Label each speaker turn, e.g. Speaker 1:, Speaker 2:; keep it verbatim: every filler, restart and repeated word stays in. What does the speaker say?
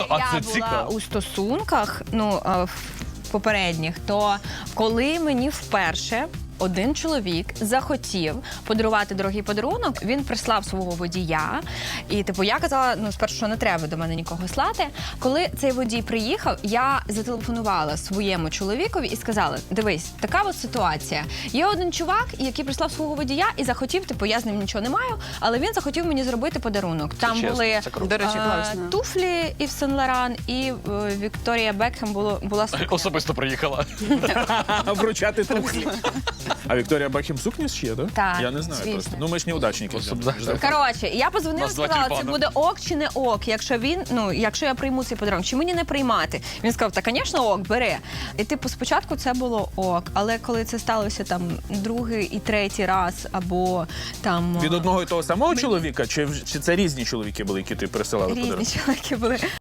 Speaker 1: А
Speaker 2: я
Speaker 1: це
Speaker 2: була
Speaker 1: цікаво.
Speaker 2: у стосунках, ну, а, в попередніх, то коли мені вперше один чоловік захотів подарувати дорогий подарунок, він прислав свого водія. І, типу, я казала, ну, спершу, що не треба до мене нікого слати. Коли цей водій приїхав, я зателефонувала своєму чоловікові і сказала, дивись, така от ситуація. Є один чувак, який прислав свого водія і захотів, типу, я з ним нічого не маю, але він захотів мені зробити подарунок. Там
Speaker 1: чесно,
Speaker 2: були
Speaker 1: це круто.
Speaker 3: До речі,
Speaker 2: е,
Speaker 3: класно.
Speaker 2: туфлі Ів Сен Лоран, і е, Вікторія Бекхем було, була сукня.
Speaker 1: Особисто приїхала.
Speaker 4: Вручати туфлі. А Вікторія Бекхем сукні ще, так?
Speaker 2: Так,
Speaker 4: Я не знаю
Speaker 2: звісно.
Speaker 4: просто. Ну, ми ж неудачники.
Speaker 1: Особливо.
Speaker 2: Коротше, я позвонила і
Speaker 1: Нас два
Speaker 2: сказала, це
Speaker 1: тюльпани.
Speaker 2: буде ок чи не ок, якщо він, ну, якщо я прийму цей подарунок, чи мені не приймати. Він сказав, та, звісно, ок, бери. І, типу, спочатку це було ок, але коли це сталося там другий і третій раз, або там...
Speaker 4: Від одного і того самого чоловіка, чи, чи це різні чоловіки були, які ти присилали
Speaker 2: Різні
Speaker 4: подарунки?
Speaker 2: чоловіки були.